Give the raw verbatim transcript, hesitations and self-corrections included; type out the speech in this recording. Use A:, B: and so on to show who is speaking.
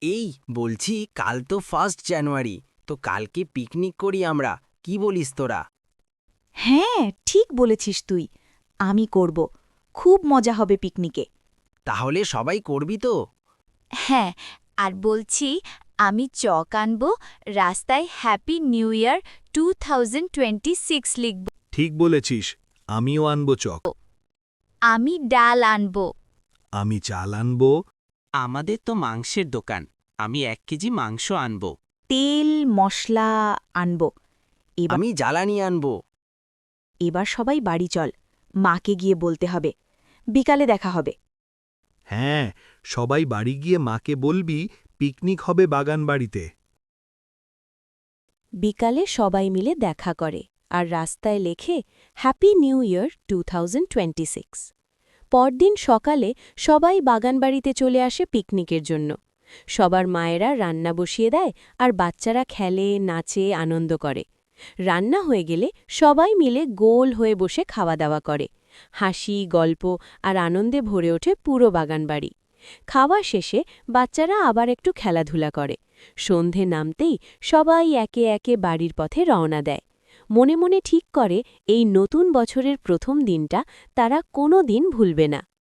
A: এই বলছি, কাল তো ফার্স্ট জানুয়ারি, তো কালকে পিকনিক করি আমরা, কি বলিস তোরা?
B: হ্যাঁ, ঠিক বলেছিস তুই। আমি করব। খুব মজা হবে পিকনিকে।
A: তাহলে সবাই করবি তো?
C: হ্যাঁ, আর বলছি আমি চক আনব, রাস্তায় happy new year two thousand twenty six লিখব।
D: ঠিক বলেছিস, আমিও আনবো চক।
C: আমি ডাল আনব।
D: আমি চাল আনবো।
A: আমাদের তো মাংসের দোকান, আমি এক কেজি মাংস আনব।
B: তেল মশলা আনব। এবার
A: আমি জ্বালানি আনব।
B: এবার সবাই বাড়ি চল। মাকে গিয়ে বলতে হবে। বিকালে দেখা হবে।
D: হ্যাঁ, সবাই বাড়ি গিয়ে মাকে বলবি পিকনিক হবে বাগান বাড়িতে।
B: বিকালে সবাই মিলে দেখা করে আর রাস্তায় লেখে happy new year two thousand twenty six. পরদিন সকালে সবাই বাগানবাড়িতে চলে আসে পিকনিকের জন্য। সবার মায়েরা রান্না বসিয়ে দেয় আর বাচ্চারা খেলে, নাচে, আনন্দ করে। রান্না হয়ে গেলে সবাই মিলে গোল হয়ে বসে খাওয়া দাওয়া করে। হাসি, গল্প আর আনন্দে ভরে ওঠে পুরো বাগানবাড়ি। খাওয়া শেষে বাচ্চারা আবার একটু খেলাধুলা করে। সন্ধে নামতেই সবাই একে একে বাড়ির পথে রওনা দেয়। মনে মনে ঠিক করে এই নতুন বছরের প্রথম দিনটা তারা কোনো দিন ভুলবে না।